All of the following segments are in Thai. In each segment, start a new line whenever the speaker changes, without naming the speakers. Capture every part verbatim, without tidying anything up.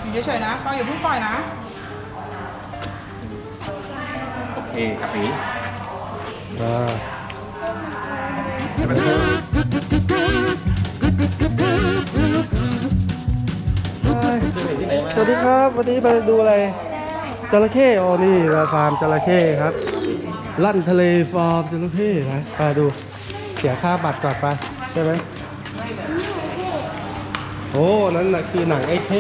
อยู่เฉยๆนะปล่อยอย่าเพิ่งปล่อยนะ
โอเคครับพี่
อ่าสวัสดีครับวันนี้มาดูอะไรจระเข้อ๋อนี่มาฟาร์มจระเข้ครับลั่นทะเลฟาร์มจระเข้นะไปดูเสียค่าบัตรก่อนไปใช่ไหมโอ้นั่นน่ะคือหนังไอ้เข้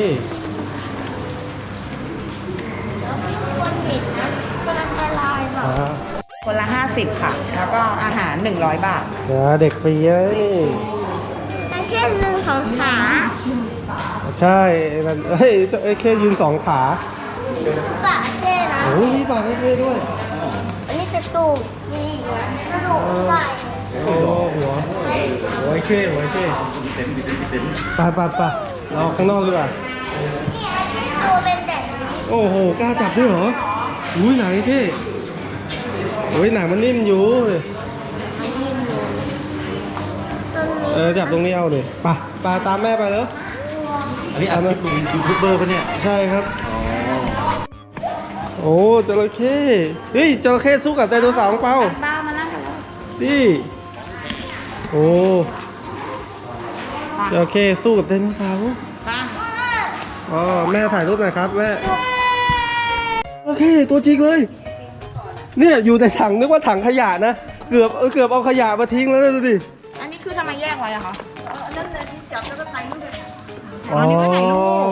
อ่า
คนละห้าสิบค่ะแล้วก็อาหารหนึ่งร้อยบาท
เดี๋ยวเด็กฟรีเยอะนี่
ไม่ใช่หนึ่งของขา
ใช่มันเฮ้ยไอ้เข้ยืนสองขา
ปากเท่นะ
โอ้ยมีปากไอ้เข้ด้วย
อันนี้กระดูกนี่กระดูกไก่
โอ้หัวหัวไอ้เข้หัวไอ้เข้ไปไปไปเราข้างนอกดีกว่า
ตัวเป็นแบบนี้
โอ้โหกล้าจับด้วยเหรออุ้ยหนังไอ้เข้โอ้ยหนังมันนิ่มอยู่
ต้นนี้
เออจับตรงนี้เอาเลยไปไปตามแม่ไปแล้ว
อันนี้อันนี้เป็นยูทูบเบอร์ปะเนี่ย
ใช่ครับ
อ๋อ
โอ้จระเข้เฮ้ยจระเข้สู้กับไดโนเสาร์ของเปา
ป้ามานั่งกันเลย
นี่โอ้จระเข้สู้กับไดโนเสาร์
ป้า
อ๋อแม่ถ่ายรูปหน่อยครับแม่จระเข้ตัวจริงเลยเนี่ยอยู่ในถังนึกว่าถังขยะนะเกือบเออเกือบเอาขยะมาทิ้งแล้วนะดูดิ
อันนี้คือทำไมแยกไว้อะคะนั่นเลยที่จับแล้วก็ถ่ายรูปเลย
อ๋อ
อันนี้ก็ถ่ายรูป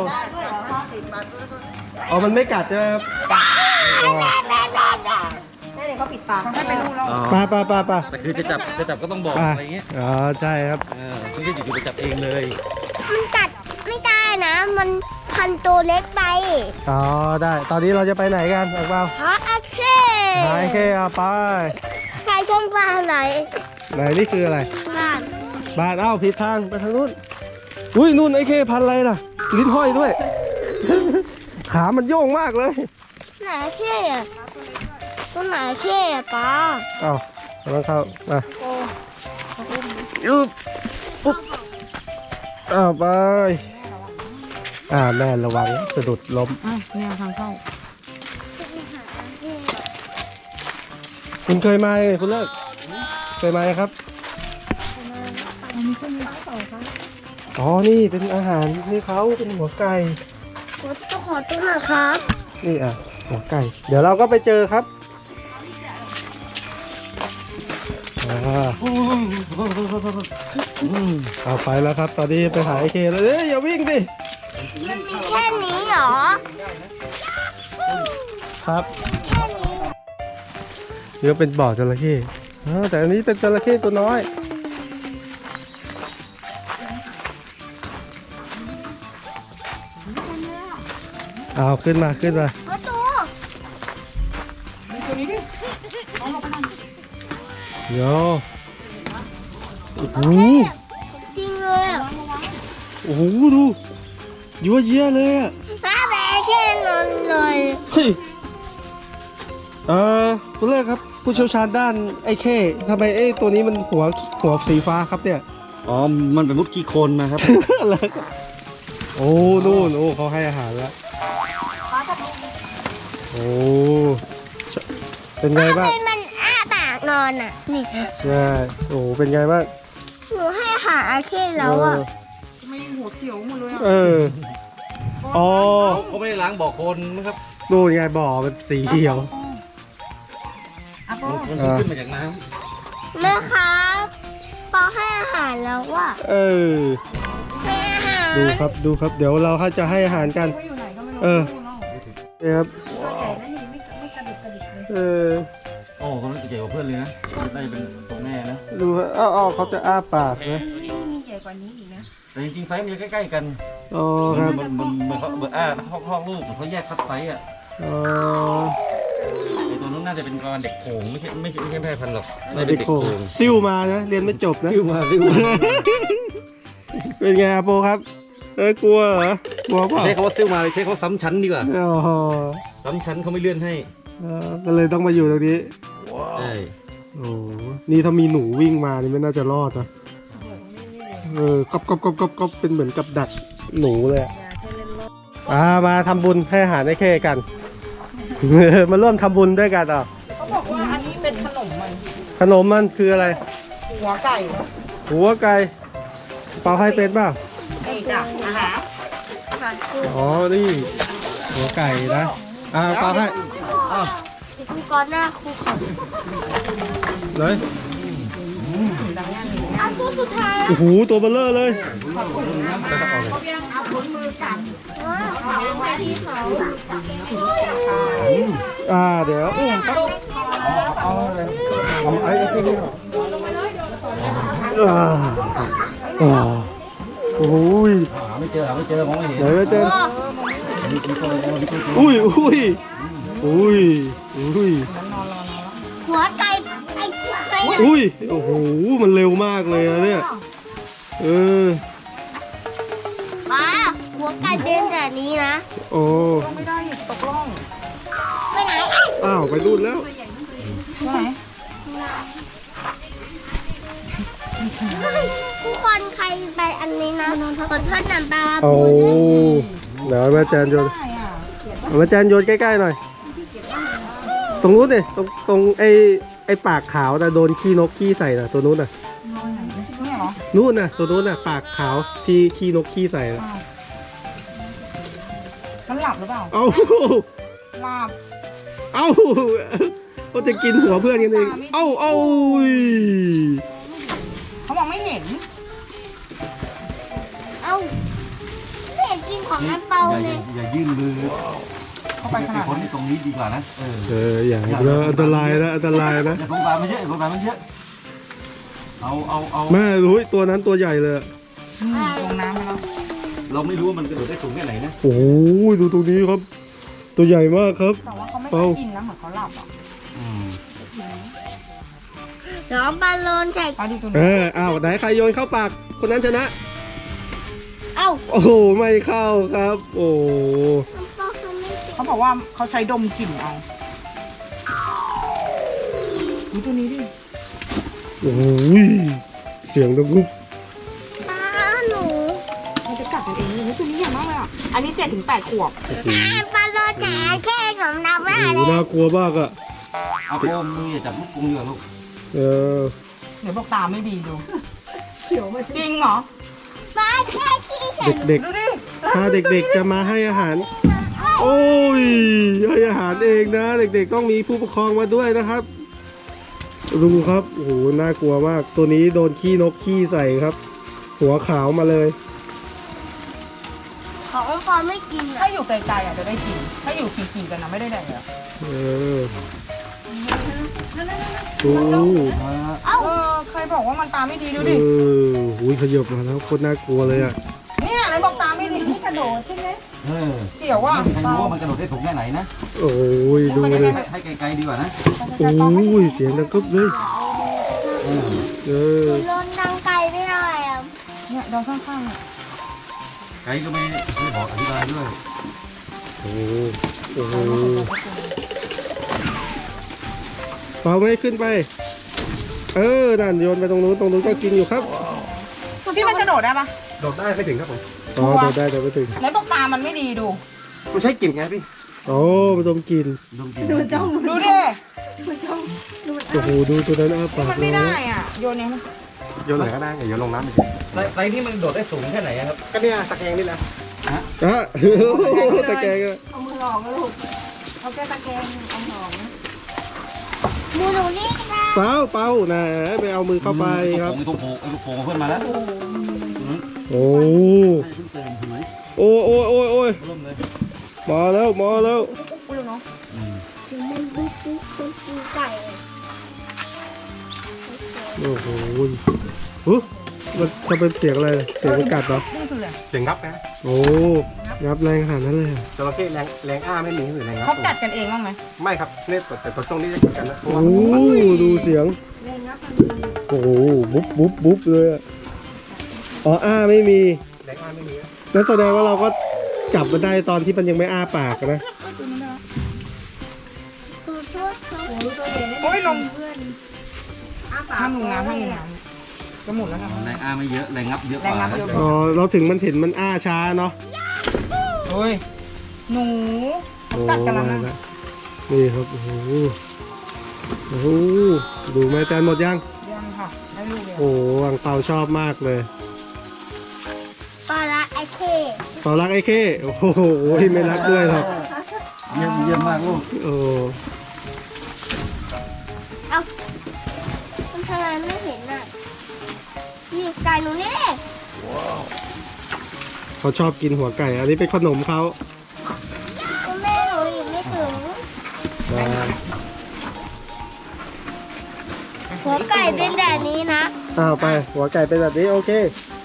อ๋อมันไม่กัดใช่ไหมครับอ๋อ
ได้เลยเขาปิดปากเขาให้ไปรูปแล้ว
อ๋อ
ไปไปไปไป
แต่คือจะจับจะจับก็ต้องบอก
ไป
อะไรเงี้ย
อ๋อใช่ครับ
เออไม่ใช่อยู่ๆไปจับเองเลย
มันกัดไม่ได้นะ มันพันตัวเล็กไป
อ๋อได้ ตอนนี้เราจะไปไหนกันอักเปา
เพราะอาเช่
ไหนเคเอาไป
ใครช่องปลาไหน
ไหนนี่คืออะไร
บ้าน
บ้านเอ้าผิดทางไปทางนู้นอุ้ยนู่นไอ้เคพันอะไรน่ะลิ้นห้อยด้วย ขามันโยงมากเลย
ไหนเช่อะตัวไหนเช่อะปลา
เอ้ากำลังเข้ามายุบปุ๊บอ้าวไปอ่าแม่ระวังสะดุดล้ม
อ่ะเนี่ยทางเข้า
คุณเคยมาไหมคุณเลิกเคยมาไหมครับอ๋อนี่เป็นอาหารนี่เขาเป็นหัวไก่
ขอตัวขอตัวหน่อยครับ
นี่อ่ะหัวไก่ เดี๋ยวเราก็ไปเจอครับอ่าเอาไปแล้วครับ ตอนนี้ไปหาไอเคแล้วเอ้ยอย่าวิ่งดิ
มันมีแค่นี้เหรอ
ครับ
แค่นี้
นี่ก็เป็นบ่อจระเข้อ่าแต่อันนี้เป็นจระเข้ตัวน้อยเอาขึ้นมาขึ้นมา
ประตู
โยโอ้โห
จริงเลยอ่ะ
โอ้โหดูยั่วเยี่ยเลยอ่ะ
ป้าแบะแค่นอนเลย
เฮ้ยเออคุณเลิกครับ ผู้เชี่ยวชาญด้านไอ้เข้ทำไมไอ้ตัวนี้มันหัวหัวสีฟ้าครับเนี่ย
อ๋อมันเป็นมุดขี้โคลนนะครับ
อะไรครับโอ้นู่นโอ้เขาให้อาหารแล้วโอ้เป็นไงบ้าง
ทำไมมันอ้าปากนอนอ่ะ นี่
ใช่โอ้เป็นไงบ้าง
หนูให้อาหารอาเคนแล้วอ่ะ
ไม่หัวเขียวหมดเลยอะ
เอออ๋อ
เขาไม่ได้ล้างบ่อโคลนนะครับ
นู่นไงบ่อมันสีเขียว
อ่ะโป้
มันมันขึ้นมาจากน้
แม่ครับปอให้อาหารแล้วอ่ะ
เออ
ให้อาหาร
ดูครับดูครับ เดี๋ยวเราจะให้อาหารกัน
ไม่อยู่ไหนก็ไม่รู้
เออ
เนาะ
นี่ครับ
ตัวใหญ่นะนี่ไม่ไม่กระดิกกระดิกเลย
เออ
ำโอ้เขาใหญ่กว่าเพื่อนเลยนะได้เป็นตัวแม่นะ
ดูครับอ้าวอ้าวเขาจะอ้าปากนะ
มีใหญ่กว่านี้อีกนะ
แต่จริงๆไซส์มันจะใกล้ๆกัน
อ๋อครับ
มันมันมันเขาเบอร์อ่าเขาคลอดลูกเขาแยกคัดไซส์อ่ะ
อ๋อ
ไอตัวนู้นน่าจะเป็นกรเด็กโขงไม่ใช่ไม่ใช่ไม่ใช่แพร่พันธุ์หรอกน่าจะ
เด็
เป็น
ก
เด็ก
โข
โข
ง
ง
ซิ่วมานะเรียนไม่จบนะ
ซิ่วมาซิ่วมา
เป็นไงอาโปครับ เอ้ยกลัวเหรอกลัวเปล่า
ใช้คำว่าซิ่วมาเลยใช้คำว่าซ้ำชั้นดีกว่า
โอ้โห
ซ้ำชั้นเขาไม่เลื่อนให้
เออก็เลยต้องมาอยู่ตรงนี้
ใช่
โอ้โหนี่ถ้ามีหนูวิ่งมานี่ไม่น่าจะรอดนะเออกอบกอบกอบกอบกอบเป็นเหมือนกับดักหนูเลยอะอ่ามาทำบุญให้อาหารให้เข้กัน มาร่วมทำบุญด้วยกันอ่ะ
เขาบอกว่าอันนี้เป็นขนมมัน
ขนมมันคืออะไร
หัวไก่
หัวไก่เปาให้เป็นเปล่า
นี่จ้ะอาหาร
อ๋อนี่หัวไก่นะอ่าเปาให้อ้าว
ครูก่อนหน้าครูก่อน
เลย
เอาตัวสุดท้าย
โอ้โหตัวเบลเลอร์เลย
เอาผลมือกัน
เอาไปที่เขา
อ่าเดี๋ยวอุ้มครับเอาไอ้ไอ้ที่นี่อ่าอ่าโอ้ย
หาไม่เจอหาไม่เจอมองไม่เห็น
เดี๋ยวจะเจอ
มีมีตัวมีตัวมีตัว
อุ้ยอุ้ยอุ้ยอุ้ย
หัวไก่ไอ้ไก่
อุ้ยโอ้โหมันเร็วมากเลยนะเนี่ยเออ
ป้าหัวไก่เป็นแบบนี้นะ
โอ้
ไม่ได้ตกล่อง
ไปไหน
อ้าวไปรุ่นแล้ว
ไหน
ทุกคนใครไปอันนี้นะขอโทษนะป้า
โอ้เดี๋ยวแม่แจนโยน
ได้อ่ะ
เอามาแจนโยนใกล้ๆหน่อย ตรงนู้นดิตรงตรงไอ้ไอ้ปากขาวแต่โดนขี้นกขี้ใส่น่ะตัวนู้นน่ะ
นี่เหรอ
นู้นน่ะตัวนู้นน่ะปากขาวที่ขี้นกขี้ใส่น่ะ
มันหลับหรือเปล่า
เอ้า
หลับ
เอ้าก็จะกินหัวเพื่อนกันเองเอ้าเอ้าอุ้ย
เขามองไม่เห็น
เอ้าไม่เห็นกินของน้ำเปา
อย่า
เล
อย่าย อย่ายื่นมือ
เข้าไปขนาด
คน
นั้น
ที่ตรงนี้ดีกว่านะเออ
เอออย่าให้เลยอันตรายนะอันตรายนะ
อย่าสงสารมันเยอะอย่าสงสารมันเยอะเอาเอาเอา
แม่รู้ตัวนั้นตัวใหญ่เลย
อืมลงน้ำไปแล้ว
เราไม่รู้ว่ามันกระโดดได้สูงแค่ไหนนะ
โอ้ยดูตรงนี้ครับ ตัวใหญ่มากครับ
แต่ว่าเขาไม่ค่อยกินนะเหมือนเขาหลับอ่ะ
อืม
น้องบอลลูนใส่
ปลาดูตัว
เอ
นี้
ออ้าวไหนใครโยนเข้าปากคนนั้นชนะ
เอ้า
โอ้โหไม่เข้าครับ โอ้
น้ำเปาเขาไม่กิน
เขาบอกว่าเขาใช้ดมกลิ่นเอาดูตัวนี้ดิ
โอ้ยเสียงดังกุ๊บ
ป้าหนู
มันจะกัดกันเองเลยตัวนี้ใหญ่มากเลยอ่ะอันนี้เจ็ดถึงแปดขวบ
บอลลูนแข่แค่ของน้ำ
โอ้
มา
โห
เลย
น่ากลัวมากอะ
เอาโอมมืออย่าจับลูกกรงเรือลูก
เออ
เดี๋ยวบอกตาไม่ดีดูจริงเหรอ
ป้าแค่ขี้เห็น
เด็ก
ดูดิ
ๆ ถ้าเด็กๆจะมาให้อาหาร โอ้ยให้อาหารเองนะ เด็กๆต้องมีผู้ปกครองมาด้วยนะครับ ดูครับ โอ้โห น่ากลัวมาก ตัวนี้โดนขี้นกขี้ใส่ครับ หัวขาวมาเลย
ของน้ำเปาไม่กิน
ถ้า
อ่ะ
อยู่ไกลๆอ่ะจะได้กิน ถ้าอยู่ขี่ๆกันนะไม่ได้แดกเลยอะ
เออโอ้
เอ้า
เออใครบอกว่ามันตาไม่ดีดู
เอ
ดิ
อหูยขยับมาแล้วโคตรน่ากลัวเลยอ่ะ
เนี่ยไหนบอกตาไม่ดีนี่กระโดดใช่ไหม
เออ
เกี่ยวว่า
ไม่มีใครรู้ว่ามันกระโดดได้สูงแค่ไหนนะ
โอ้ยดูเลย
ให้ไกลๆดีกว่านะ
โอ้ยเสียงดังกึ๊บเลย
เออ
เออ
โดนนางไก่ไม่ได้อ่ะ
เนี่ยดองข้างๆอ่ะ
ไกด์ก็ไม่ไม่บอกอธิบายด้วย
โอ้โหโอ้โหเปล่าไม่ขึ้นไป เออนั่นโยนไปตรงนู้นตรงนู้นก็กินอยู่ครับ
พี่มันกระโดดได้ปะ
โดดได้ไม่ถึงครับผมอ๋อโดดได้แต่ไม่ถึง
ไหนบอกตามันไม่ดีดู
ไม่ใช่กลิ่นไงพี่โอ้มันดมกลิ่น
ดมกลิ่น
ดูดิ
โอ้โหดูตัวนั้นอ้าปาก
มันไม่ได้อ่ะโยนเนี่ย
โยนไหนก็ได้อย่าโยนลงน้ำไป
ไซไซนี่มันโดดได้สูงแค่ไหนอะครับ
ก็เนี่ยตะแกรงนี่แหละ
ฮะ
อ่ะตะแกรงอะ
เอามือลองนะลูกเอาแค่ตะแกรงเอาหอม
มูหนูนี่นะ
เปล่าเปล่านะไปเอามือเข้าไปครับ
ไอ้ลูกโป่งไอ้ลูกโป่งเพื่อนมาแล้ว
โอ้
ให้เพิ่งเติมถือ
โอ้โอ้โอ้โอ้ย
ร่มเลย
มาแล้วมาแล้ว
ปุ๊บเนาะ
อืม
มันบุ๊บบุ๊บบุ๊บบุ๊บไก่
โอ้โหฮึมันจะเป็นเสียงอะไรเสียงมันกัดเหรอ
นี่คืออะไร
เสียงงับนะ
โอ้งับแรงขนาดนั้นเลยอะ
จระเข้แรงแรงอ้าไม่มีหรือแรงงับ
เขากัดกันเองบ้างไหม
ไม่ครับเนี่ยแต่แต่ตรงนี้จะกัดกันนะเพราะว่า
โอ้ดูเสียงโอ้โหบุ๊บบุ๊บบุ๊บเลยอะอ๋ออ้าไม่มี
แรงอ้าไม่มีนะ
นั่นแสดงว่าเราก็จับมันได้ตอนที่มันยังไม่อ้าปากนะ
ขอโทษครับ
โอ้ยลมห้ามลงน้ำห้ามลงน้ำจะหมุนแล้วนะ
แรงอ้าไม่เยอะแรงงับเยอะกว่า
แรงงับเยอะกว่า
อ๋อเราถึงมันเห็นมันอ้าช้าเนาะ
เโอ้ยหนู
โอ้
กัดกันแล้ว
มา
นะ
แล้วนี่ครับโอ้โหโอ้โหดูแม่แตนหมดยัง
ยังค่ะได้ลูกเลย
โอ้โหอังเปาชอบมากเลย
ปลาละไอเค
เปารักไอ้เข้โอ้โหไม่รักด้วยหรอก
เยี่ยมเยี่ยมมากลูก
โอ้
เอามันทำไมไม่เห็นอ่ะนี่ไก่หนูนี่
เขาชอบกินหัวไก่ อันนี้เป็นขนมเขา
คุณแม่หนูยังไม่ถึง
อ่า
หัวไก่เป็นแบบนี้นะ
อ้าวไป หัวไก่เป็นแบบนี้โอเค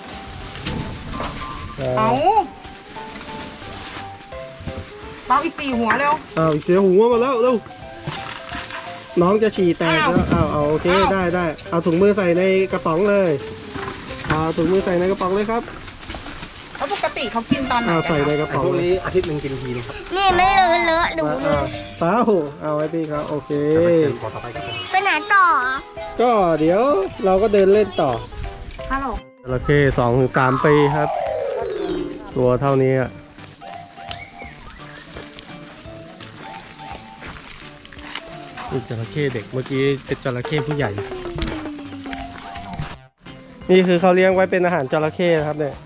เอา
อ่า
เปาอีกตีหัวเร็ว
อ้าวเสียหัวมาแล้วเร็วน้องจะฉี่แตกแล้ว
อ้าว
อ้าวเอาโอเค
อ้าว
ได้ได้เอาถุงมือใส่ในกระป๋องเลยเอาถุงมือใส่ในกระป๋องเลยครับ
แล้วปกติเขากินตอนไหน
อ้าว
กัน
ใส่ใน
คะ
กระ
ไอ้
ป๋อง
พวก
เลย
นี้อาทิตย์หนึ่งกินทีนึงครับ
นี่ไม่เลอะเลอะดู
มา
เล
อ้าวย เปล่าเอาไว้พี่ครับโอเค
จะไปเชิญขอต่อไปครับผม
ไปไหนต่อ
ก็เดี๋ยวเราก็เดินเล่นต่อ
ฮัลโหล
จระเข้สองถึงสามปีครับ ตัวเท่านี้อ่ะนี่จระเข้เด็กเมื่อกี้เป็นจระเข้ผู้ใหญ่ นี่คือเขาเลี้ยงไว้เป็นอาหารจระเข้นะครับเนี่ย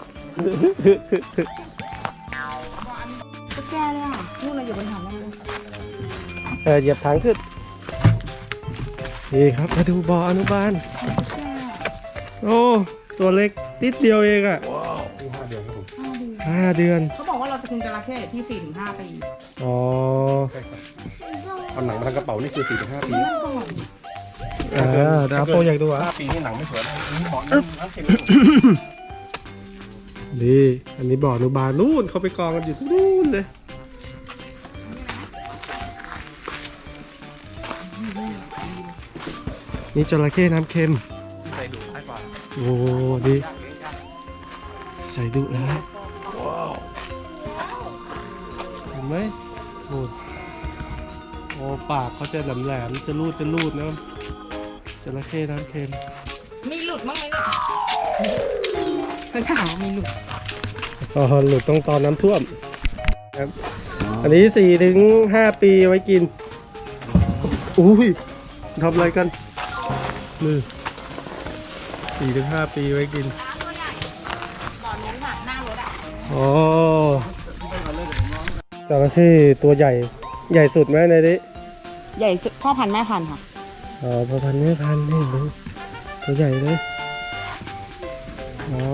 ก็แก้เลยอ่ะลูกเราอยู่บนถังเลย
เออเหยียบถังขึ้น นี่ครับมาดูบ่ออนุบาล โอ้ตัวเล็กนิดเดียวเองอ่ะ
ที่ห้าเดือนครับผม
ห้าเดือน
เขาบอกว่าเราจะกินจระเข้อยู่ที่สี่ถึงห้าปี
อ๋อ
ใช่ครับเอาหนังมาทำกระเป๋านี่คือสี่ถึงห้าปี
นั่นก่อน
อ่าเดี๋ยวเอาโปรอยากดูอ่ะ
ห้าปีนี่หนังไม่สวยนะนี่หมอนน้ำเค็ม
นี่อันนี้บ่ออนุบาลนู่นเขาไปกองกันอยู่ที่นู่นเลย นี่จระเข้น้ำเค็ม
ใส่ดูดให้กว่า
โอ้ดีใส่ดุแล้วเห็นไหมโอ้โอ้ปากเขาจะแหลมๆจะรูดจะรูดนะจระเข้น้ำเค็ม
มีหลุดบ้างไหมเนี่ยเขาถามว่ามีหลุด
อ๋อหลุดต้องตอนน้ำท่วมครับอันนี้สี่ถึงห้าปีไว้กินอุ้ยทำอะไรกันนี่สี่ถึงห้าปีไว้กิน
ตอนนี้หนักหน้ารถอ่ะ
อ๋อจระเข้ตัวใหญ่ ใหญ่สุดไหมในนี้
ใหญ่พ่อพันธุ์แม่พันธุ์ค่ะ
อ๋อพอพันไม่พันนี่ดูตัวใหญ่เลย อ๋อ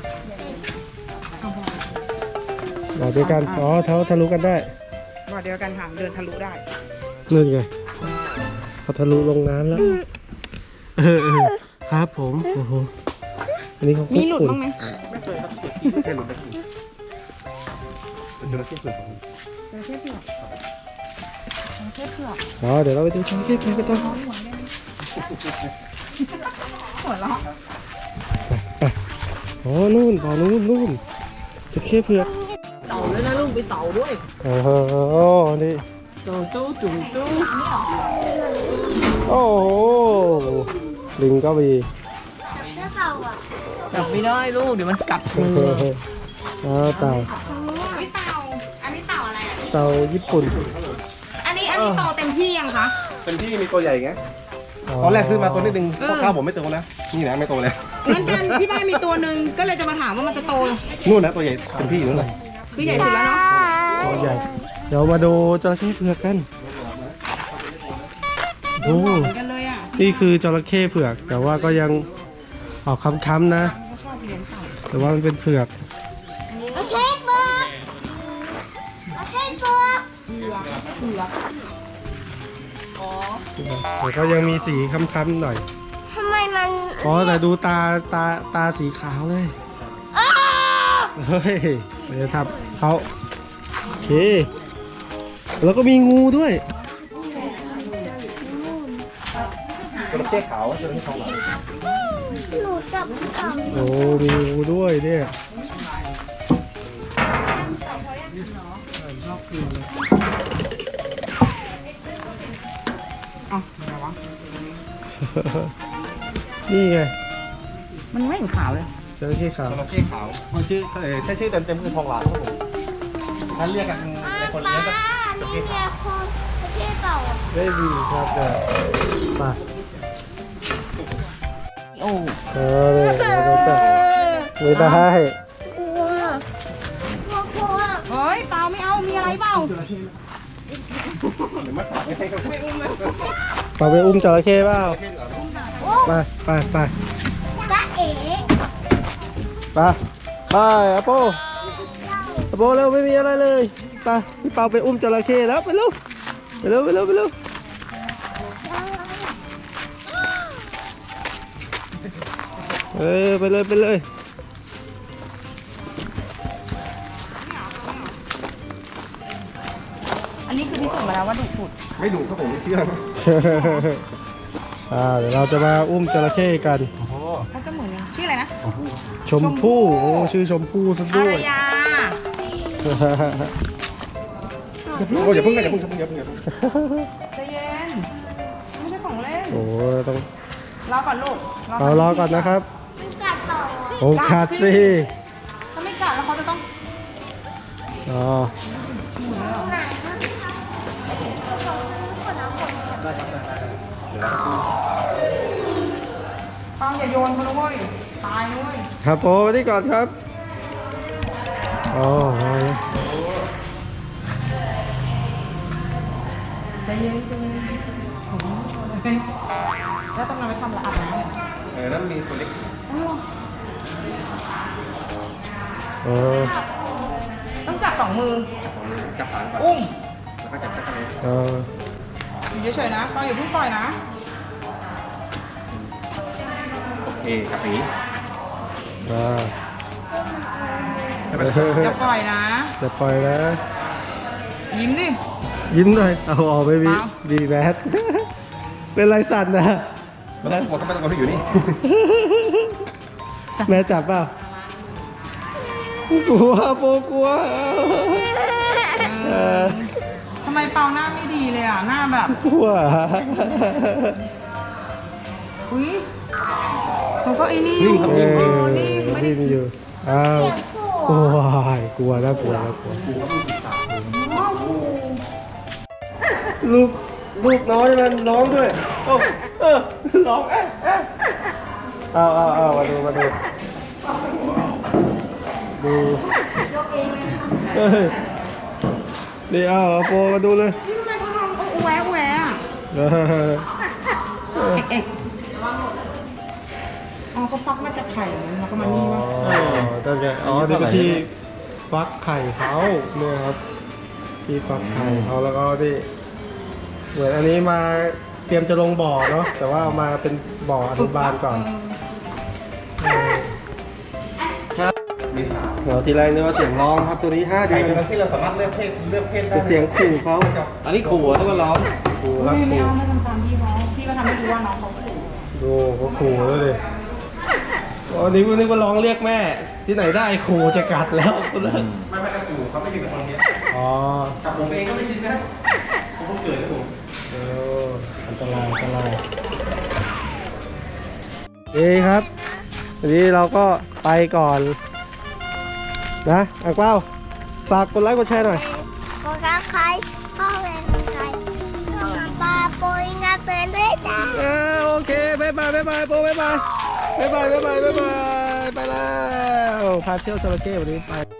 บอกด้วยกัน อ๋อเท้าทะลุกันได้
ว่าเดียวกันค่ะเดินทะลุได้
นู่นไงเขาทะลุลงน้ำแล้ว เออเออครับผม โอ้โห อันนี้เขา
มี
คุก
หลุด
ฝุ่น
บ้างไหม
ไม่เคยครับแค่หลุดได้กี่เป็นจระเข้ส่วนของ
จระเข้เผือกจระเข้เผือก
อ๋อ เดี๋ยวเราไปดูจระเข้เผือกกันต่อ
หัวเราะ
ไปอ๋อ นู่นบ่อนู่นนู่นจระเข้เผือก
เต่าด้วยนะลูกไปเต่าด้วย
โอ้โห นี่
เต่าตู้จุ๋มตู้
โอ้โห ลิงก็มี
แล้วเต่าอ่ะ
จับไม่ได้ลูกเดี๋ยวมันกัด
เอ
มือ
อเอาเต่า
ไม่เต่าอันนี้เต่าอะไรอ่ะ
เต่าญี่ปุ่น
อันนี้อันนี้โตเต็มที่ยังคะ
เป็นที่มีตัวใหญ่ไงตอนแรกซื้อมาตัวนิดนึงพ่อข้าวผมไม่โตแล้วนี่นะไม่โตแล้ว
งั้นกันที่บ้านมีตัวหนึ่งก็เลยจะมาถามว่ามันจะโต
นู่นนะตัวใหญ่เป็นพี่อยู่นู่นเลย
คือใหญ่สุดแล้วเนาะ
ตัวใหญ่ เดี๋ยวมาดูจระเข้เผือกกัน โอ้
เหมือนกันเลยอ่ะ
นี่คือจระเข้เผือก แต่ว่าก็ยังออกค้ำๆนะ
เขาชอบเลี้ยงเต่า
แต่ว่ามันเป็นเผือก
โอเคตัวโอเคตัว
เผือกเผือกอ๋อ
แต่ก็ยังมีสีค้ำๆหน่อย
ทำไมมัน
อ๋อ แต่ดูตาตาตาสีขาวเลย
อ้าว
เฮ้ยเดี๋ยวทำเขาโอเค แล้วก็มีงูด้วย
จระเข้ขาวจระเข้ทองหลาง
หนูจับเต่า
โอ้มีงูด้วยเนี่ย
เอ้าอะไรวะ
นี่ไง
มันไม่เห็นขาวเลย
จระเข้ขาว
จระเข้ขาวมันชื่อเอ่อใช้ชื่อเต็มๆคือทองหลางครับผมถ้าเรียกกันในคนเลี้ยงก็
นี่เมียคนประเทศเก่า
ได้ดีครับเดี๋ยวไป
โอ้
เออเลยเราจะไม่ได้
กลัวกลัวกลัว
เฮ้ยเปล่าไม่เอามีอะไรเปล่า
หรือมาตัดให้เขาไม่อุ้มเลย
ต่อไปอุ้มจระเข้เปล่า
โอ้
ไปไปไป
จ้าเอ๋
ไปไปอะโปอะโปเร็วไม่มีอะไรเลยไปพี่เปาไปอุ้มจระเข้แล้วไปเร็วไปเร็วไปเร็วไปเร็วเออไปเลยไปเลย
อันนี้คือพิสูจน์มาแล้วว่าดุสุด
ไม่ดุครับผมไม่เชื่อ
อ่าเดี๋ยวเราจะมาอุ้มจระเข้กัน
โอ้โห
เขาจะเหมือนชื่ออะไรนะ
ชมพู่โอ้ชื่อชมพู่ซะ
อา
ด้วย
รยา
โอ้อย่าเพิ่งกันอย่าเพิ่งอย่าเพิ่งอย่าเพิ่ง
ใจเย็นไม่ใช่ของเล่น
โอ้ต้อง
รอก่อนลูก
เอารอก่อนนะครับ
มันกัดต่อ
โอ้ขาดสิ
ถ้าไม่กัดแล้วเขาจะต้อง
อ๋อ
ไหน
ฟังอย่าโยนเขานะเว้ยตายนะเว้ย
ครับโอ้มาที่ก่อนครับอ๋อ
ใจเย็นใจเย็นโอ้โหแล้วต้องนำไปทำละอาบน้ำเหรอ
เออนั่นมีตัวเล็ก
อ๋อเหรอ
เออ
ต้องจับสองมือ
จับหางก่อน
อุ้ม
แล้วก็จับจักรเลย
เออ
อยู่เฉยๆนะฟังอย่าเพิ่งปล่อยนะ
โอเคจับหนี
อ่า
อย่าปล่อยนะ
จะปล่อยนะ
ยิ้มดิ
ยิ้มหน่อยเอาออกไปบี
เปล่า
บีแบทเป็นไรสั่นนะ
ไม่ต้องกลัวต้องไม่ต้องกลัวที่อยู่นี่
แม่จับเปล่า กลัวโปกลัวเออ
ทำไมเปาหน้าไม่ดีเลยอ่ะ หน้าแบบ
กลัว
อุ้ยเขาก็ไอ้นี่อ
นิ่
ยู่
งครับ
เอ
เอ
อ
อนี่ไม่ได้
นี่อยู่อ้าว
เสียงขู่
โอ้ยกลัวนะกลัวนะกลัว ลูกลูกน้อยมันร้องด้วยโอ้เออร้องเอ๊ะเอ๊ะเอาเอาเอามาดูมาดูดูเฮ้ยนี่เอาเอาโปรมาดูเลย
ทำไมเขาทำโอ้แหวะแหวะอะ
เออ
เอกเอกอ๋อก็ฟักมาจากไข่แล้วก็มา
อ๋อ
นี่วะ
ตั้งแต่อ๋อนี่เป็นที่ฟักไข่เขาเนี่ยครับที่ฟักไข่เขาแล้วก็ที่เหมือนอันนี้มาเตรียมจะลงบ่อเนาะแต่ว่าเอามาเป็นบ่ออนุบาลก่อน
มีขา
เดี๋ยวทีไรนึกว่าเสียงร้องครับตัวนี้ห้า
ไก่
เดือน
ตัวนั้นที่เราสามารถเลือกเพศเลือกเพศได้
เป็นเสียงขู่เขา
อันนี้ขู่ต้องมาร้อง
ขู่ครับ
ไม่ไม่
ขู่
เอาไม่ทำตามพี่เขาพี่ก็ทำให้รู้ว่าน้องเขาขู่
ดูเขาขู่แล้วดิอ๋อนี่นึกว่าร้องเรียกแม่ ที่ไหนได้ขู่จะกัดแล้วตัวนั้น
ไม่ไม่ขู่เขาไม่กินกับคนเนี้ย
อ๋อ
กับผมเองก็ไม่กินนะผมเพิ่งเกิดนะผม
เอออันตรายอันตรายดีครับวันนี้เราก็ไปก่อนนะอังเป้าฝากกดไลค์กดแชร์หน่อย
กดรักใครพ่อแม่ของใครช่องปลาโปยงาเตือนด้วยจ้า
เออโอเคบ๊ายบายบ๊ายบายโปบ๊ายบายบ๊ายบายบ๊ายบายบ๊ายบายไปแล้วพาเที่ยวจระเข้วันนี้ไป